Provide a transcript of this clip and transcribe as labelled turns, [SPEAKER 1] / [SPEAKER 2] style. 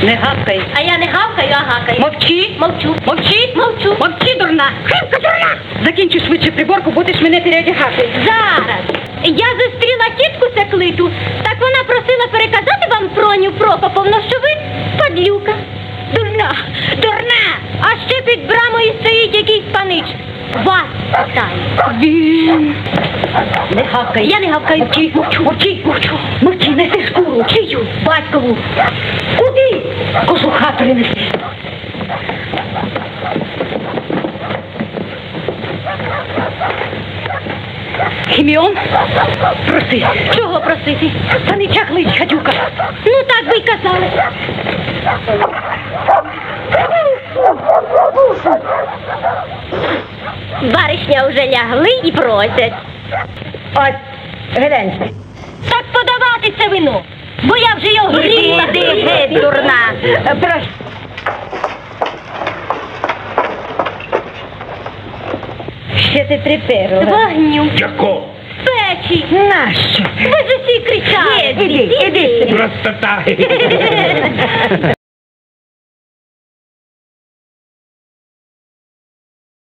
[SPEAKER 1] Не гавкай.
[SPEAKER 2] А я не гавкаю, а гакаю.
[SPEAKER 1] Мовчи.
[SPEAKER 2] Мовчу.
[SPEAKER 1] Мовчи.
[SPEAKER 2] Мовчу.
[SPEAKER 1] Мовчи, дурна. Хрипка, дурна. Закінчи швидше приборку, будеш мене переодягати.
[SPEAKER 2] Зараз. Я зустріла тітку Секлиту, так вона просила переказати вам Проню Прокоповну, що ви падлюка. Дурна, дурна! А ще під брамою стоїть якийсь панич. Вас питає.
[SPEAKER 1] Він. Не гавкай.
[SPEAKER 2] Я не гавкаю.
[SPEAKER 1] Мовчи, мовчу, мовчи, мовчу. Мовчи, неси шкуру. Чию? Батькову. Куди? Кожу хату не неси. Хіміон, проси.
[SPEAKER 2] Чого просити?
[SPEAKER 1] Та не чахлить, гадюка.
[SPEAKER 2] Ну так би й казали. Баришня вже лягли і просять.
[SPEAKER 1] Ось, глянь.
[SPEAKER 2] Так подавати це вино, бо я вже його гріла.
[SPEAKER 1] Іди, геть, дурна. Прошу. Ще ти приперла.
[SPEAKER 2] Вогню,
[SPEAKER 3] Яко?
[SPEAKER 2] печі.
[SPEAKER 1] Нащо?
[SPEAKER 2] Ви ж усі кричали.
[SPEAKER 1] Іди, іди.
[SPEAKER 3] Простота.